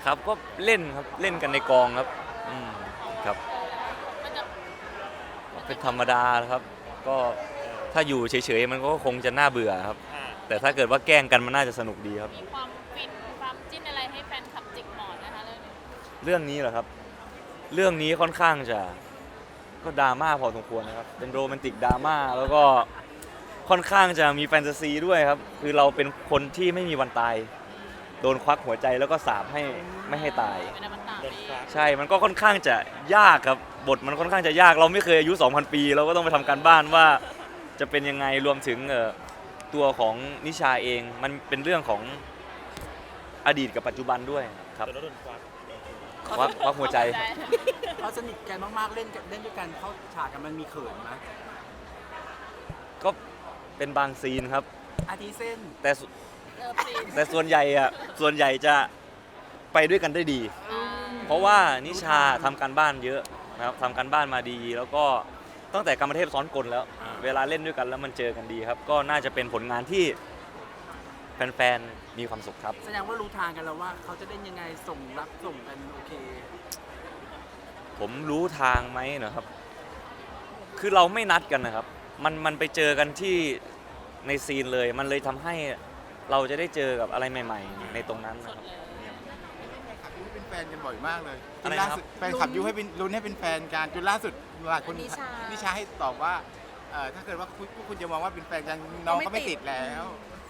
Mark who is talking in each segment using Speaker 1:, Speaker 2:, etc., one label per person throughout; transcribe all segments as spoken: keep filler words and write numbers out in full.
Speaker 1: ครับก็เล่นครับเล่นกันในกองครับอืมครับเป็นธรรมดาครับก็ถ้าอยู่เฉยๆมันก็คงจะน่าเบื่อครับแต่ถ้าเกิดว่าแกล้งกันมันน่าจะสนุกดีครับ
Speaker 2: มีความฟินความจิ้นอะไรให้แฟนคลับจิกหมอนนะคะเรื่องนี้
Speaker 1: เรื่องนี้เหรอครับเรื่องนี้ค่อนข้างจะก็ดราม่าพอสมควรนะครับเป็นโรแมนติกดราม่าแล้วก็ค่อนข้างจะมีแฟนตาซีด้วยครับคือเราเป็นคนที่ไม่มีวันตายโดนควักหัวใจแล้วก็สาปให้ไม่ให้ตาย
Speaker 2: เป็นอมตะ
Speaker 1: ใช่มันก็ค่อนข้างจะยากครับบทมันค่อนข้างจะยากเราไม่เคยอายุ สองพัน ปีเราก็ต้องไปทำการบ้านว่าจะเป็นยังไงรวมถึงตัวของนิชาเองมันเป็นเรื่องของอดีตกับปัจจุบันด้วยครับควักควักหัวใจ
Speaker 3: เขาสนิทกันมากๆเล่นเล่นด้วยกันเข้าฉากกันมันมีเขินไหม
Speaker 1: ก็เป็นบางซีนครับ
Speaker 3: อาทิเส้น
Speaker 1: แต่แต่ส่วนใหญ่อะส่วนใหญ่จะไปด้วยกันได้ดีเพราะว่านิชาทำการบ้านเยอะนะครับทำการบ้านมาดีแล้วก็ตั้งแต่กรรมเทพซ้อนกลแล้วเวลาเล่นด้วยกันแล้วมันเจอกันดีครับก็น่าจะเป็นผลงานที่แฟนๆมีความสุขครับ
Speaker 3: แสดงว่ารู้ทางกันแล้วว่าเขาจะเล่นยังไงส่งรับส่งกันโอเค
Speaker 1: ผมรู้ทางไหมนะครับคือเราไม่นัดกันนะครับมันมันไปเจอกันที่ในซีนเลยมันเลยทำให้เราจะได้เจอกับอะไรใหม่ๆในตรงนั้นนะครับ
Speaker 4: เป็นแฟนกันบ่อยมากเลยจ
Speaker 1: น
Speaker 4: ล่าสุดแฟนขับยุให้เป็นลุ้นให้เป็นแฟนกันจนล่าสุดหลายคนนิชาให้ตอบว่าถ้าเกิดว่าคุณคุณจะมองว่าเป็นแฟนกันน้องก็ไม่ติดแล้ว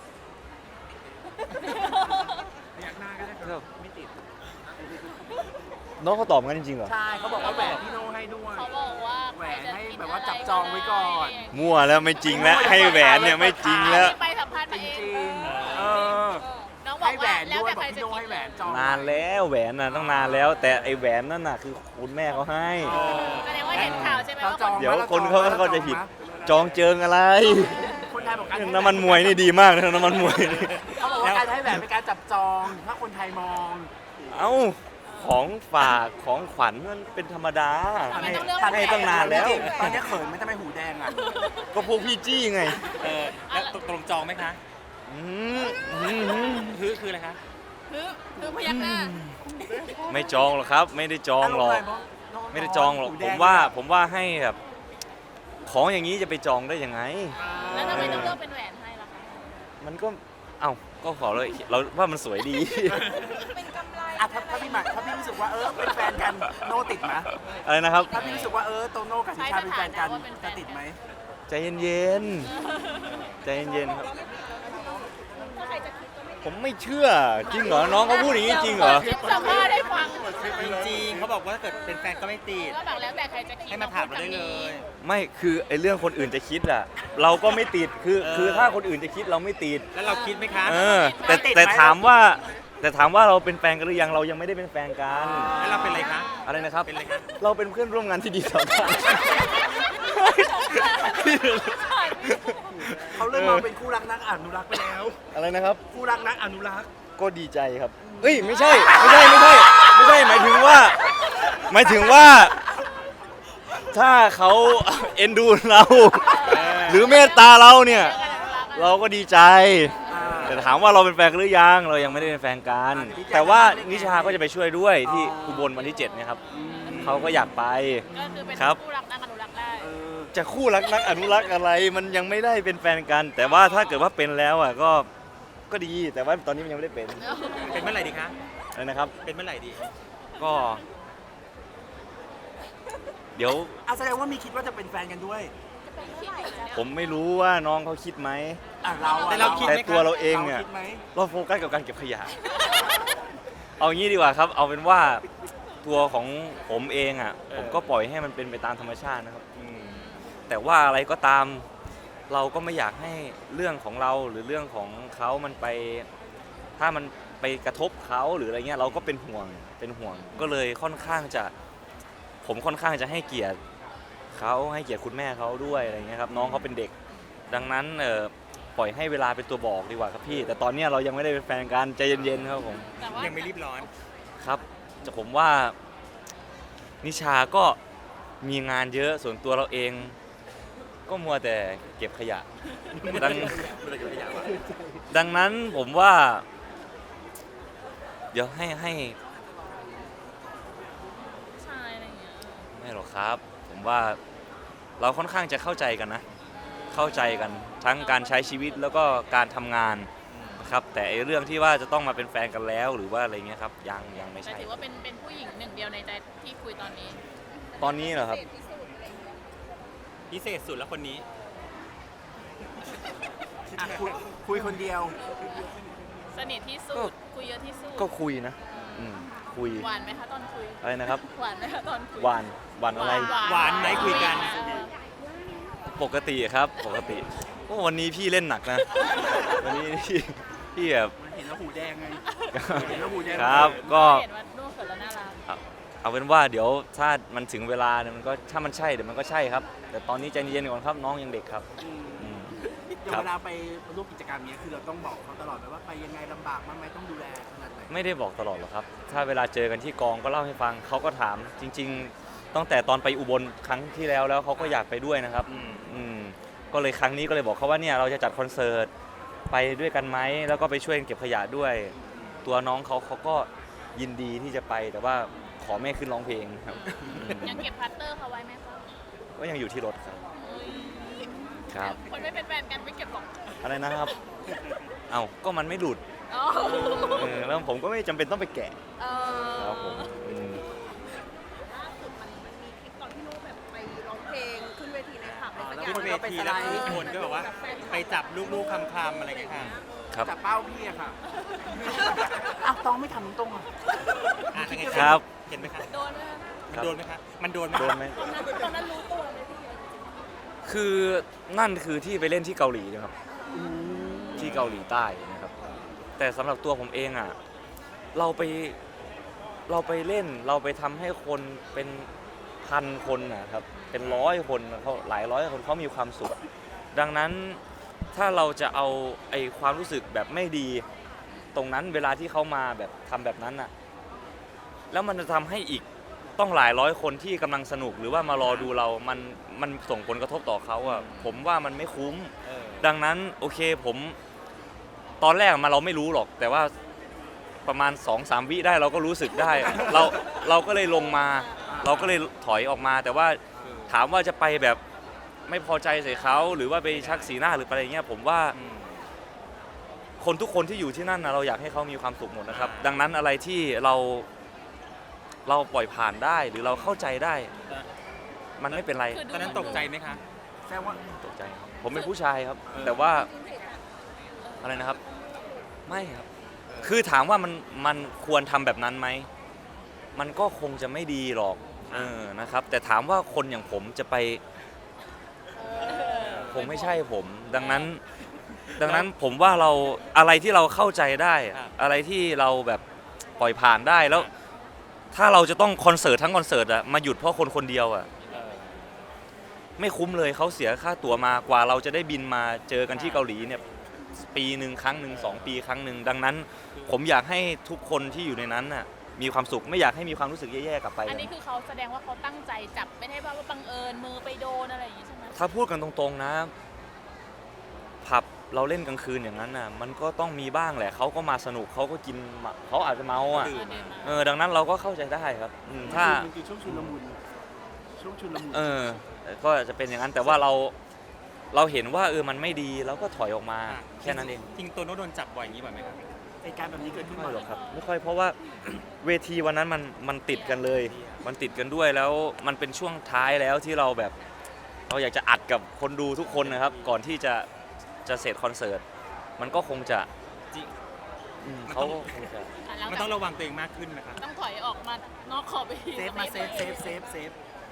Speaker 3: อยากหน้าก็ได้ครับไม่ติด
Speaker 1: น้องเขาตอบงั้นจริงๆเหรอ
Speaker 3: ใช่เขาบอกว่าแหวนพี่โน่ให้ด้วย
Speaker 2: เขาบอกว่า
Speaker 3: แหวนให้แบบว่าจับจองไว้ก่อน
Speaker 1: มั่วแล้วไม่จริงแล้วให้แหวนเนี่ยไม่จริงแล้ว
Speaker 2: ไปสัมภาษณ์มาเองน้องบอ
Speaker 3: ให้
Speaker 2: ก
Speaker 3: แหว
Speaker 2: ว่านแล้ว
Speaker 3: ด้วย
Speaker 2: แต่ใครจะ
Speaker 3: พี่โน่ให้แหวนจอง
Speaker 1: นานแล้วแหวนน่ะต้องนานแล้วแต่ไอ้แหวนนั่นน่ะคือคุณแม่เขาให้
Speaker 2: แสดงว่าเห็นข่าวใช่ไหมว่า
Speaker 1: เดี๋ยวคนเขาเขาจะผิดจองเจิงอะไร
Speaker 3: คนไทยบอกกัน
Speaker 1: น้ำมันมวยนี่ดีมากนะน้ำมันมวย
Speaker 3: เขาบอกว่าการให้แหวนเป็นการจับจองถ้าคนไทยมอง
Speaker 1: เอ้าของฝากของขวัญมันเป็นธรรมดาให้ให้ตั้งนานแล้ว
Speaker 3: ตอนนี้เขินไหมทำไมหูแดงอ่ะ
Speaker 1: ก็พวกพี่จี้ไง
Speaker 5: เออแล้วตรงจองไหมคะ
Speaker 1: อืม
Speaker 5: คือคืออะไรคะ
Speaker 2: คือคือพยักหน้า
Speaker 1: ไม่จองหรอกครับไม่ได้จองหรอกไม่ได้จองหรอกผมว่าผมว่าให้แบบของอย่างนี้จะไปจองได้ยังไง
Speaker 2: แล้วทำไมต้องเลือกเป็นแหวนให้ล่ะคะ
Speaker 1: มันก็เอ้าก็ขอเลยเราว่ามันสวยดี
Speaker 2: เป็นกำไร
Speaker 3: อ่ะถ้าพี่หมายถ้าพี่รู้สึกว่าเออเป็นแฟนกันโน่ติดไหม
Speaker 1: อะไรนะครับ
Speaker 3: ถ้าพี่รู้สึกว่าเออโตโน่กับนิชาเป็นแฟนกันจะติดไหม
Speaker 1: ใจเย็นๆใจเย็นๆครับผมไม่เชื่อจริงเหรอน้องเขาพูดอย่างนี้จริงเหรอ
Speaker 2: สัมภาษณ์ให้ฟัง
Speaker 5: จริงๆเขาบอกว่าถ้าเกิดเป็นแฟนก็ไม่ติด
Speaker 2: ก็บอกแล้วแต่ใครจะคิด
Speaker 5: ให้มาถามเราได้เลย
Speaker 1: ไม่คือไอ้เรื่องคนอื่นจะคิดอะเราก็ไม่ติดคือคือถ้าคนอื่นจะคิดเราไม่ติด
Speaker 5: แล้วเราคิดไหมคะ
Speaker 1: เออแต่แต่ถามว่าแต่ถามว่าเราเป็นแฟนกันหรือยังเรายังไม่ได้เป็นแฟนกัน
Speaker 5: แล้วเราเป็นอะไรคะ
Speaker 1: อะไรนะครับ
Speaker 5: เป็นอะไรคะ
Speaker 1: เราเป็นเพื่อนร่วมงานที่ดีต่อกัน
Speaker 3: เขาเริ่มมาเป็นคู่รักนักอนุรักษ์ไปแล้ว
Speaker 1: อะไรนะครับ
Speaker 3: คู่รักนักอนุรักษ์
Speaker 1: ก็ดีใจครับเอ้ยไม่ใช่ไม่ใช่ไม่ใช่ไม่ใช่หมายถึงว่าหมายถึงว่าถ้าเขาเอ็นดูเราหรือเมตตาเราเนี่ยเราก็ดีใจแต่ถามว่าเราเป็นแฟนกันหรือยังเรายังไม่ได้เป็นแฟนกันแต่ว่านิชาก็จะไปช่วยด้วยที่อุบลวันที่เจ็ดเนี่ยครับเขาก็อยากไป
Speaker 2: ครับคู่รักนักอนุรักษ์ได้
Speaker 1: จะคู่รักนักอนุรักษ์อะไรมันยังไม่ได้เป็นแฟนกันแต่ว่าถ้าเกิดว่าเป็นแล้วอ่ะก็ก็ดีแต่ว่าตอนนี้มันยังไม่ได้เป็น
Speaker 5: เป็นเมื่อไหร่ดีคะ
Speaker 1: อะไรนะครับ
Speaker 5: เป็นเมื่อไหร่ดี
Speaker 1: ก็เดี๋ยว
Speaker 3: แสดงว่ามีคิดว่าจะเป็นแฟนกันด้วย
Speaker 1: ผมไม่รู้ว่าน้องเขาคิดไหม
Speaker 3: แต่
Speaker 1: เราคิดแต่ตัวเราเองเนี่ยเราโฟกัสกับการเก็บขยะเอางี้ดีกว่าครับเอาเป็นว่าตัวของผมเองอ่ะผมก็ปล่อยให้มันเป็นไปตามธรรมชาตินะครับแต่ว่าอะไรก็ตามเราก็ไม่อยากให้เรื่องของเราหรือเรื่องของเขามันไปถ้ามันไปกระทบเขาหรืออะไรเงี้ยเราก็เป็นห่วงเป็นห่วงก็เลยค่อนข้างจะผมค่อนข้างจะให้เกียรติเขาให้เกียรติคุณแม่เขาด้วยอะไรเงี้ยครับน้องเขาเป็นเด็กดังนั้นเอ่อปล่อยให้เวลาเป็นตัวบอกดีกว่าครับพี่แต่ตอนนี้เรายังไม่ได้เป็นแฟนกันใจเย็นๆครับผม
Speaker 5: ยังไม่รีบร้อน
Speaker 1: ครับแต่ผมว่านิชาก็มีงานเยอะส่วนตัวเราเองก็มัวแต่เก็บขยะดังดังนั้นผมว่าเดี๋ยวให้ให้ครับ ผมว่าเราค่อนข้างจะเข้าใจกันนะ เข้าใจกันทั้งการใช้ชีวิตแล้วก็การทำงานนะครับแต่ไอ้เรื่องที่ว่าจะต้องมาเป็นแฟนกันแล้วหรือว่าอะไรเงี้ยครับยังยังไม่
Speaker 2: แต่
Speaker 1: ใช่
Speaker 2: ถือว่าเป็นเป็นผู้หญิงหนึ่งเดียวในใจที่คุยตอนนี้
Speaker 1: ตอนนี้เหรอครับ
Speaker 5: พิเศษสุดแล้วคนนี้
Speaker 3: อ่ะคุยคุยคนเดียว
Speaker 2: สนิทที่สุด คุยเยอะที่สุด
Speaker 1: ก็คุยนะอืมคุย
Speaker 2: หวานไหมคะตอนคุย
Speaker 1: อะไรนะครับ
Speaker 2: หวานไหมคะตอนคุย
Speaker 1: หวานหวานอะไร
Speaker 5: หวานไหมคุยกัน
Speaker 2: เออ
Speaker 1: ปกติครับปกติโอ้วันนี้พี่เล่นหนักนะ วันนี้พี่พี่แบบ
Speaker 3: มันเห็นแล้วหูแดงไง เห็นแล้วหูแดง
Speaker 1: ครับก็
Speaker 2: เห็นว่านุ่งเขินแล้วน่ารัก
Speaker 1: เอาเป็นว่าเดี๋ยวถ้ามันถึงเวลาเนี่ยมันก็ถ้ามันใช่เดี๋ยวมันก็ใช่ครับ แต่ตอนนี้ใจเย็นๆก่อนครับน้องยังเด็กครับ
Speaker 3: อืม
Speaker 1: อืม
Speaker 3: อย่างเวลาไปร่วมกิจกรรมเนี้ยคือเราต้องบอกเขาตลอดไหมว่าไปยังไงลำบากมากไหมต้องดูแลขนาดไหน
Speaker 1: ไม่ได้บอกตลอดหรอกครับ ถ้าเวลาเจอกันที่กองก็เล่าให้ฟังเขาก็ถามจริง ๆตั้งแต่ตอนไปอุบลครั้งที่แล้วแล้วเขาก็อยากไปด้วยนะครับ
Speaker 5: อืม
Speaker 1: อืมก็เลยครั้งนี้ก็เลยบอกเขาว่าเนี่ยเราจะจัดคอนเสิร์ตไปด้วยกันไหมแล้วก็ไปช่วยเก็บขยะด้วย ตัวน้องเขาเขาก็ยินดีที่จะไปแต่ว่าขอไม่ขึ้นร้องเพลงครับอืม
Speaker 2: ยังเก็บพัตเตอร์เขาไว้ไหมคะ
Speaker 1: ก็ยังอยู่ที่รถครับ
Speaker 2: เอ้ย
Speaker 1: ครับ
Speaker 2: คนไม่เป็นแฟนกันไม่เก็บหรอก
Speaker 1: อะไรนะครับ เอ้าก็มันไม่หลุด
Speaker 2: อ๋อ
Speaker 1: เออแล้วผมก็ไม่จำเป็นต้องไปแกะ
Speaker 2: เออ
Speaker 1: ครับผมอืม
Speaker 6: ล่าสุดมันมันมีคลิปตอนที่ลูกแบบไปร้องเพลงขึ้นเวทีในผับอะไรสักอ
Speaker 3: แล้
Speaker 6: ย่าว ง
Speaker 5: ขึ้นเวทีแล้วทุกคนก็แบบว่าไปจับลูกๆคำๆอะไรอย่างเงี้ยค่ะ
Speaker 1: ครับ
Speaker 3: จับเป้าพี่อะค่ะ อ้าวต้องไม่ทำตรงๆอ่ะ
Speaker 5: อ่ะยังไง
Speaker 1: ครับ
Speaker 5: เห็นไหมคะ
Speaker 2: โดนไหม
Speaker 5: มันโดนไหมคะมันโดนไหม
Speaker 1: โดนไหม
Speaker 2: ตอนนั้นตอนนั้นรู้ตัวไหมพี่
Speaker 1: คือนั่นคือที่ไปเล่นที่เกาหลีนะครับ ที่เกาหลีใต้นะครับ แต่สำหรับตัวผมเองอ่ะเราไปเราไปเล่นเราไปทำให้คนเป็นพันคนนะครับเป็นร้อยคนเขาหลายร้อยคนเขามีความสุข ดังนั้นถ้าเราจะเอาไอ้ความรู้สึกแบบไม่ดี ตรงนั้นเวลาที่เขามาแบบทำแบบนั้นอ่ะแล้วมันจะทำให้อีกต้องหลายร้อยคนที่กำลังสนุกหรือว่ามารอดูเรา มันมันส่งผลกระทบต่อเขาอ่ะผมว่ามันไม่คุ้ม
Speaker 5: เออ
Speaker 1: ดังนั้นโอเคผมตอนแรกมาเราไม่รู้หรอก แต่ว่าประมาณ สองสาม วิได้เราก็รู้สึกได้ เราเราก็เลยลงมา เราก็เลยถอยออกมา แต่ว่าถามว่าจะไปแบบไม่พอใจใส่เขาหรือว่าไปชักสีหน้าหรืออะไรเงี้ยผมว่า
Speaker 5: อืม
Speaker 1: คนทุกคนที่อยู่ที่นั่นนะเราอยากให้เขามีความสุขหมดนะครับ
Speaker 5: อ่า
Speaker 1: ดังนั้นอะไรที่เราเราปล่อยผ่านได้หรือเราเข้าใจได้ มันไม่เป็นไร
Speaker 2: คือดู
Speaker 5: ตอนนั้นตกใจไหมคะ
Speaker 3: แสดงว่า
Speaker 1: ตกใจครับผมเป็นผู้ชายครับ
Speaker 5: เออ
Speaker 1: แต่ว่าอะไรนะครับ ไม่ครับ คือถามว่ามันมันควรทำแบบนั้นไหม มันก็คงจะไม่ดีหรอกเออนะครับ แต่ถามว่าคนอย่างผมจะไปคงไม่ใช่ผม ดังนั้น ดังนั้นผมว่าเราอะไรที่เราเข้าใจได้
Speaker 5: ครับ
Speaker 1: อะไรที่เราแบบปล่อยผ่านได้แล้ว ถ้าเราจะต้องคอนเสิร์ตทั้งคอนเสิร์ตอะมาหยุดเพราะคนคนเดียวอะ
Speaker 5: เออ
Speaker 1: ไม่คุ้มเลยเขาเสียค่าตั๋วมากว่าเราจะได้บินมาเจอกันที่เกาหลีเนี่ยปีหนึ่งครั้งหนึ่งสองปีครั้งหนึ่งดังนั้น ผมอยากให้ทุกคนที่อยู่ในนั้นน่ะมีความสุขไม่อยากให้มีความรู้สึกแย่ๆกลับไป
Speaker 2: อันนี้คือเขาแสดงว่าเขาตั้งใจจับไม่ได้ว่าบังเอิญมือไปโดนอะไรอย่างงี้ใช่ไหม
Speaker 1: ถ้าพูดกันตรงๆนะผับเราเล่นกลางคืนอย่างนั้นน่ะมันก็ต้องมีบ้างแหละเขาก็มาสนุกเขาก็กินมาเขาอาจจะเมาอ่ะ
Speaker 5: ดื่ม
Speaker 2: เดินมา
Speaker 1: เออดังนั้นเราก็เข้าใจได้ครับอืมถ้า
Speaker 3: มันคือช่วงชุลมุนช่วงชุลมุน
Speaker 1: เออก็จะเป็นอย่างนั้นแต่ว่าเราเราเห็นว่าเออมันไม่ดีเราก็ถอยออกมาแค่นั้นเอง
Speaker 5: จริงๆตัวโน้ตโดนจับบ่อยอย่างนี้บ่อยไหมครับ
Speaker 3: เหตุการณ์แบบนี้เกิดขึ้น
Speaker 1: ไม่
Speaker 3: บ่อย
Speaker 1: หรอกครับไม่ค่อยเพราะว่า เวทีวันนั้นมันมันติดกันเลย มันติดกันด้วยแล้วมันเป็นช่วงท้ายแล้วที่เราแบบ เราอยากจะอัดกับคนดูทุกคนนะครับ ก่อนที่จะจะเสร็จคอนเสิร์ตมันก็คงจะ
Speaker 5: จริง
Speaker 1: อืม
Speaker 5: มัน
Speaker 1: เขา
Speaker 5: ต้อง
Speaker 1: ก็คงจะ
Speaker 2: อ่ะหลัง
Speaker 5: มัน
Speaker 2: จาก
Speaker 5: ต้องระวังตัวเองมากขึ้นนะคะ
Speaker 2: ต้องถอยออกมานอกขอบเวที
Speaker 3: เซฟมาเซฟเซฟเซฟเซฟ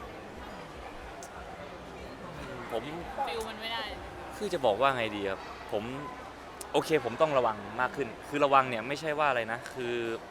Speaker 1: ผม
Speaker 2: ฟิลมันไม่ได้
Speaker 1: คือจะบอกว่าไงดีครับผมโอเคผมต้องระวังมากขึ้น คือระวังเนี่ยไม่ใช่ว่าอะไรนะคือ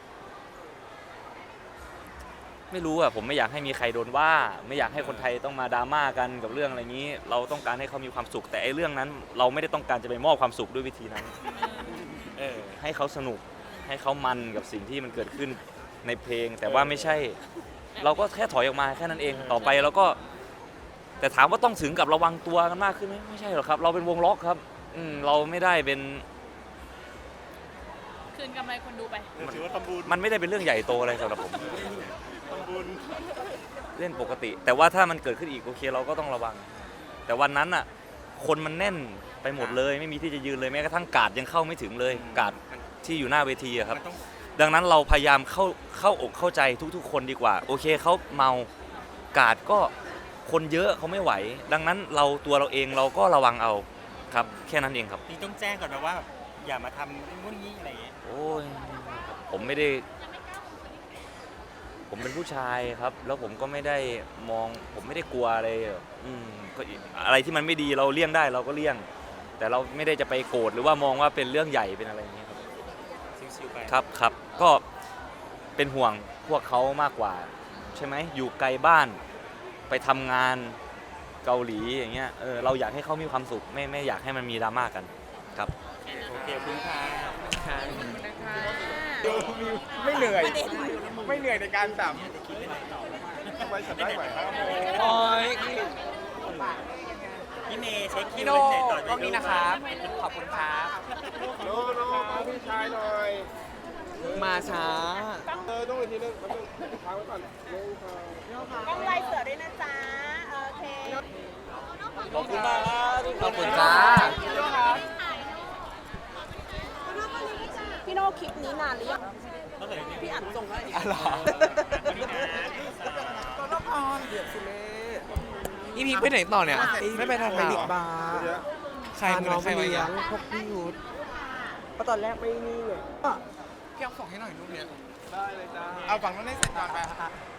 Speaker 1: ไม่รู้อะผมไม่อยากให้มีใครโดนว่า ไม่อยากให้คนไทยต้องมาดราม่ากันกับเรื่องอะไรนี้ เราต้องการให้เขามีความสุข แต่ไอ้เรื่องนั้น เราไม่ได้ต้องการจะไปมอบความสุขด้วยวิธีนั้น
Speaker 5: เออ
Speaker 1: ให้เขาสนุกให้เขามันกับสิ่งที่มันเกิดขึ้นในเพลง แต่ว่าไม่ใช่ เราก็แค่ถอยออกมาแค่นั้นเองต่อไปเราก็ แต่ถามว่าต้องถึงกับระวังตัวกันมากขึ้นไหมไม่ใช่หรอกครับ เราเป็นวงล็อกครับอืมเราไม่ได้เป็น
Speaker 2: คืนกำไรคนดูไป
Speaker 1: มันไม่ได้เป็นเรื่องใหญ่โตอะไรสำหรับผม
Speaker 2: เ
Speaker 1: เล่นปกติ แต่ว่าถ้ามันเกิดขึ้นอีกโอเคเราก็ต้องระวัง แต่วันนั้นอ่ะคนมันแน่นไปหมดเลย ไม่มีที่จะยืนเลยแม้กระทั่งการ์ดยังเข้าไม่ถึงเลยการ์ดที่อยู่หน้าเวทีอะครับ
Speaker 5: มันต้อง
Speaker 1: ดังนั้นเราพยายามเข้าเข้าอกเข้าใจทุกๆ คนดีกว่า โอเคเขาเมากาดก็คนเยอะเขาไม่ไหว ดังนั้นเราตัวเราเองเราก็ระวังเอาครับแค่นั้นเองครับ
Speaker 5: นี่ต้องแจ้งก่อนนะว่าแบบอย่ามาทำนู่นนี่อะไรอย่างเงี้ย
Speaker 1: โอ้ยผมไม่ได้ ผมเป็นผู้ชายครับ แล้วผมก็ไม่ได้มอง ผมไม่ได้กลัวอะไรอ่ะอืมก็อีกอะไรที่มันไม่ดีเราเลี่ยงได้เราก็เลี่ยง แต่เราไม่ได้จะไปโกรธหรือว่ามองว่าเป็นเรื่องใหญ่เป็นอะไรอย่างเงี้ยครับ
Speaker 5: ชิวๆไป
Speaker 1: ครับครับก็เป็นห่วงพวกเขามากกว่า ใช่ไหมอยู่ไกลบ้านไปทำงานเกาหลีอย่างเงี้ยเออเราอยากให้เขามีความสุขไม่ไม่อยากให้มันมีดราม่ากันครับ
Speaker 5: โอเคขอบคุณค่ะ
Speaker 4: ไม่เหนื่อย ไม่เหนื่อยในการสัมไว้สัมได้ไหวครับ
Speaker 5: โอ้ยพี่เมย์เช็คคิว
Speaker 7: พี่โน่
Speaker 5: เสร็จต่อ
Speaker 7: กล้องนี้นะครับ ขอบคุณครับ
Speaker 4: โน่โน่พี่ชายหน่อย
Speaker 7: มาช้า
Speaker 4: เออต้องอีกทีนึงแป๊บนึงค้างไว้ก่อนเร็วค่ะ
Speaker 6: กล้องไลน์เสือด้วยนะจ๊ะ โอเค
Speaker 1: ขอบคุณมาก
Speaker 7: ขอบคุณจ้า
Speaker 6: พี่โน่คลิปนี้นานหรือยัง
Speaker 5: ต้องเกิดอะไร
Speaker 6: พี่อัดส่งให้
Speaker 7: อ๋อเหรออีพีไปไหนต่อเนี่ย ไม่ไปทางไหนอีกบาร์ใครมือใครไว้ยังพวกพี่ยุทธ
Speaker 6: ก็ตอนแรกไม่นี่ไง
Speaker 7: พี่เอาส่งให้หน่อยรูปเนี้ย
Speaker 4: ได้เลยจ้าเอาฝั่งนั้นให้เสร็จก่อนไป